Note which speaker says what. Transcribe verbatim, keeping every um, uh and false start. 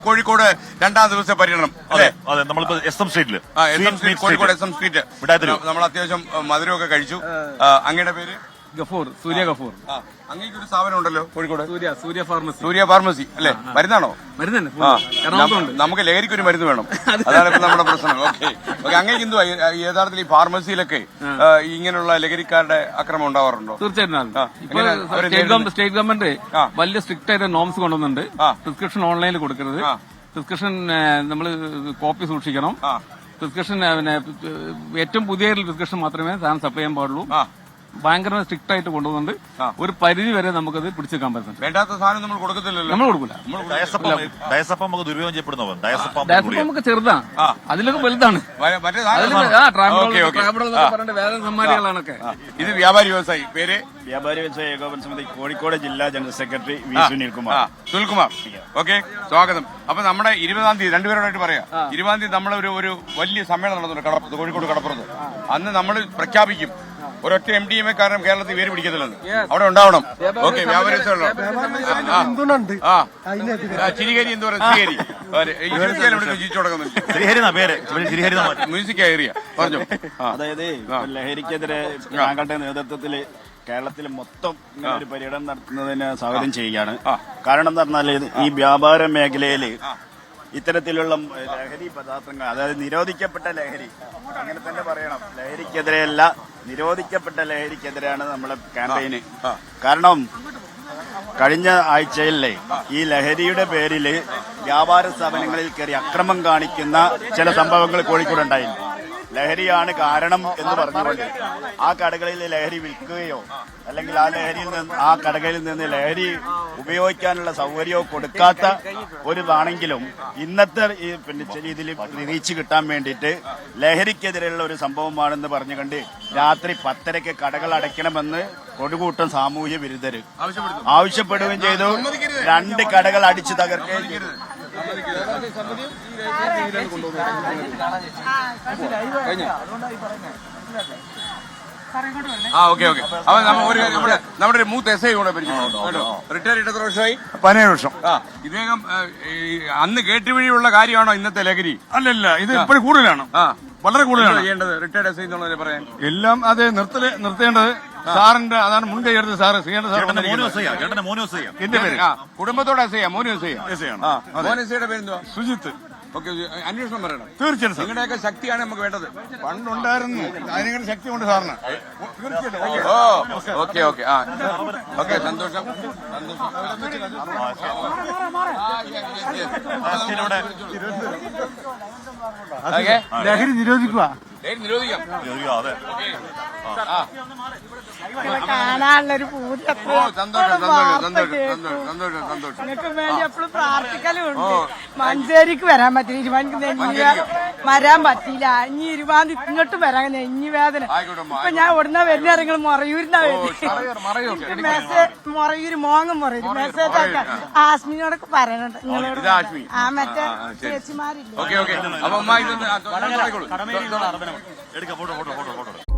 Speaker 1: കോഴിക്കോട് രണ്ടാം ദിവസത്തെ പര്യടനം
Speaker 2: അതെ അതെ നമ്മളിപ്പോ എസ് എം സ്ട്രീറ്റില്
Speaker 1: കോഴിക്കോട് എസ് എം സ്ട്രീറ്റ് നമ്മൾ അത്യാവശ്യം മധുരമൊക്കെ കഴിച്ചു. അങ്ങയുടെ പേര്
Speaker 3: ഗഫൂർ, സൂര്യ ഗഫൂർ.
Speaker 1: അങ്ങേക്ക് ഒരു സ്ഥാപനം ഉണ്ടല്ലോ കോഴിക്കോട്,
Speaker 3: സൂര്യ സൂര്യ ഫാർമസി.
Speaker 1: സൂര്യ ഫാർമസി അല്ലേ? മരുന്നാണോ?
Speaker 3: മരുന്ന്.
Speaker 1: നമുക്ക് ലഹരിക്ക് ഒരു മരുന്ന് വേണം, അതാണ് ഇപ്പൊ നമ്മുടെ പ്രശ്നം. ഓക്കെ ഓക്കെ അങ്ങേക്ക് എന്തുവാ യഥാർത്ഥത്തിൽ ഈ ഫാർമസിയിലൊക്കെ ഇങ്ങനെയുള്ള ലഹരിക്കാരുടെ അക്രമം ഉണ്ടാവാറുണ്ടോ?
Speaker 3: തീർച്ചയായിട്ടും. സ്റ്റേറ്റ് ഗവൺമെന്റ് വലിയ സ്ട്രിക്റ്റ് ആയിട്ട് നോംസ് കൊണ്ടുവന്നുണ്ട്. പ്രിസ്ക്രിപ്ഷൻ ഓൺലൈനിൽ കൊടുക്കരുത്, പ്രിസ്ക്രിപ്ഷൻ നമ്മൾ കോപ്പി സൂക്ഷിക്കണം, പ്രിസ്ക്രിപ്ഷൻ പിന്നെ ഏറ്റവും പുതിയ പ്രിസ്ക്രിപ്ഷൻ മാത്രമേ സാധനം സപ്ലൈ ചെയ്യാൻ പാടുള്ളൂ. ഭയങ്കര സ്ട്രിക്റ്റ് ആയിട്ട് കൊണ്ടുവന്നുണ്ട്. ഒരു പരിധി വരെ നമുക്കത് പിടിച്ചെടുക്കാൻ പറ്റുന്നുണ്ട്.
Speaker 1: വേണ്ടാത്ത സാധനം നമ്മൾ കൊടുക്കത്തില്ലല്ലോ.
Speaker 3: നമ്മൾ കൊടുക്കില്ല.
Speaker 2: ഡയസപ്പം നമുക്ക് ദുരുപയോഗം ചെയ്യപ്പെടുന്നോ? ഡയസപ്പം
Speaker 3: നമുക്ക് ചെറുതാണ്, അതിലൊക്കെ വലുതാണ്. വേറെ സമ്മാനികളാണൊക്കെ.
Speaker 1: ഇത് വ്യാപാരി വ്യവസായി പേര്
Speaker 4: വ്യാപാരി വ്യവസായ ഏകോപന സമിതി കോഴിക്കോട് ജില്ലാ general secretary V Sunilkumar.
Speaker 1: Sunilkumar, okay, സ്വാഗതം. അപ്പൊ നമ്മുടെ ഇരുപതാം തീയതി രണ്ടുപേരോടായിട്ട് പറയാം. ഇരുപതാം തീയതി നമ്മളെ ഒരു ഒരു വലിയ സമ്മേളനം നടന്നുണ്ട് കടപ്പുറത്ത്, കോഴിക്കോട് കടപ്പുറത്ത്. അന്ന് നമ്മൾ പ്രഖ്യാപിക്കും ഒരൊറ്റ എം ഡി എം എ കാരണം കേരളത്തിൽ പേര് പിടിക്കത്തില്ലെന്ന്. അവിടെ ഉണ്ടാവണം. ഓക്കെ, വ്യാപാരി ചിരികരി എന്ന് പറയുന്നത് ജീവിച്ചു തുടങ്ങുന്നുണ്ട്. മ്യൂസിക് ഏരിയ പറഞ്ഞു.
Speaker 4: അതായത് ലഹരിക്കെതിരെ താങ്കളുടെ നേതൃത്വത്തിൽ കേരളത്തിൽ മൊത്തം ഒരു പര്യടനം നടത്തുന്നതിന് സ്വാഗതം ചെയ്യുകയാണ്. കാരണം എന്താ പറഞ്ഞാൽ ഈ വ്യാപാര മേഖലയിൽ ഇത്തരത്തിലുള്ള ലഹരി പദാർത്ഥങ്ങൾ, അതായത് നിരോധിക്കപ്പെട്ട ലഹരി, അങ്ങനെ തന്നെ പറയണം, ലഹരിക്കെതിരെയല്ല നിരോധിക്കപ്പെട്ട ലഹരിക്കെതിരെയാണ് നമ്മളെ ക്യാമ്പയിന്. കാരണം കഴിഞ്ഞ ആഴ്ചയിലെ ഈ ലഹരിയുടെ പേരിൽ വ്യാപാര സ്ഥാപനങ്ങളിൽ കയറി അക്രമം കാണിക്കുന്ന ചില സംഭവങ്ങൾ കോഴിക്കോട് ഉണ്ടായിരുന്നു. ലഹരിയാണ് കാരണം എന്ന് പറഞ്ഞുകൊണ്ട് ആ കടകളിൽ ലഹരി വിൽക്കുകയോ അല്ലെങ്കിൽ ആ ലഹരിയിൽ നിന്ന് ആ കടകളിൽ നിന്ന് ലഹരി ഉപയോഗിക്കാനുള്ള സൗകര്യമോ കൊടുക്കാത്ത ഒരു ഇതാണെങ്കിലും ഇന്നത്തെ ഈ പിന്നെ ഇതിൽ റീച്ച് കിട്ടാൻ വേണ്ടിയിട്ട് ലഹരിക്കെതിരെയുള്ള ഒരു സംഭവമാണെന്ന് പറഞ്ഞുകൊണ്ട് രാത്രി പത്തരയ്ക്ക് കടകൾ അടയ്ക്കണമെന്ന് കൊടുകൂട്ടം സാമൂഹ്യ വിരുദ്ധര് ആവശ്യപ്പെടുകയും ചെയ്തു. രണ്ട് കടകൾ അടിച്ചു തകർക്കുകയും ചെയ്തു.
Speaker 1: ആ ഓക്കെ ഓക്കെ അപ്പൊ നമ്മുടെ ഒരു മൂത്ത് എസ് ഐ കൂടെ പരിചയപ്പെട്ടോ. റിട്ടയർ ചെയ്ത് എത്ര വർഷമായി?
Speaker 5: പതിനേഴ് വർഷം.
Speaker 1: ആ ഇദ്ദേഹം അന്ന് കേട്ടുവഴിയുള്ള കാര്യമാണോ ഇന്നത്തെ ലഹരി?
Speaker 5: അല്ലല്ല, ഇത് ഇപ്പോഴും കൂടുതലാണ്, വളരെ കൂടുതലാണ്
Speaker 1: ചെയ്യേണ്ടത്. റിട്ടയർഡ് എസ് ഐ എന്നുള്ളതിനെ പറയാൻ
Speaker 5: എല്ലാം അത് നിർത്തല് നിർത്തേണ്ടത് സാറിന്റെ, അതാണ് മുൻകൈ എടുത്ത് സാറ് ചെയ്യേണ്ട സാർ.
Speaker 1: എന്റെ പേര് കുടുംബത്തോടെ S I Monu S I S I ആണ്. മോൻ എസ് ഐയുടെ പേരെന്തുവാ?
Speaker 5: സുജിത്ത്.
Speaker 1: ഓക്കെ, അന്വേഷണം പറയണം.
Speaker 5: തീർച്ചയായിട്ടും
Speaker 1: നിങ്ങളുടെയൊക്കെ ശക്തിയാണ് നമുക്ക് വേണ്ടത്.
Speaker 5: പണ്ടുണ്ടായിരുന്നു, അതിനെങ്ങനെ ശക്തി കൊണ്ട് സാറിന്.
Speaker 1: ഓ ഓക്കെ ഓക്കെ ആ ഓക്കെ, സന്തോഷം
Speaker 5: ലഹരി നിരോധിക്കുക.
Speaker 1: നിരോധിക്കാം.
Speaker 6: കാണാനുള്ളൊരു പൂതി.
Speaker 1: നിങ്ങൾക്ക്
Speaker 6: വേണ്ടി എപ്പോഴും പ്രാർത്ഥിക്കലും ഉണ്ട്. മഞ്ചേരിക്ക് വരാൻ പറ്റില്ല, ഇരുപതിക്ക് നെഞ്ഞി വരാൻ പറ്റിയില്ല. ഇനി ഇരുപതി ഇങ്ങോട്ടും വരാൻ നെഞ്ഞി വേദന. ഇപ്പൊ ഞാൻ ഉടനെ വരുന്ന നിങ്ങൾ മറയൂരിന്നാ വരുന്നത്. മെസ്സേജ് മറയൂര് മോങ്ങും മറയൂര് മെസ്സേജ് ആക്കാൻ ആസ്മിനോടൊക്കെ പറയണുണ്ട് നിങ്ങളോട്. ആ മറ്റേ ചേച്ചിമാരില്ല.
Speaker 1: ഓക്കെ ഓക്കെ അപ്പൊ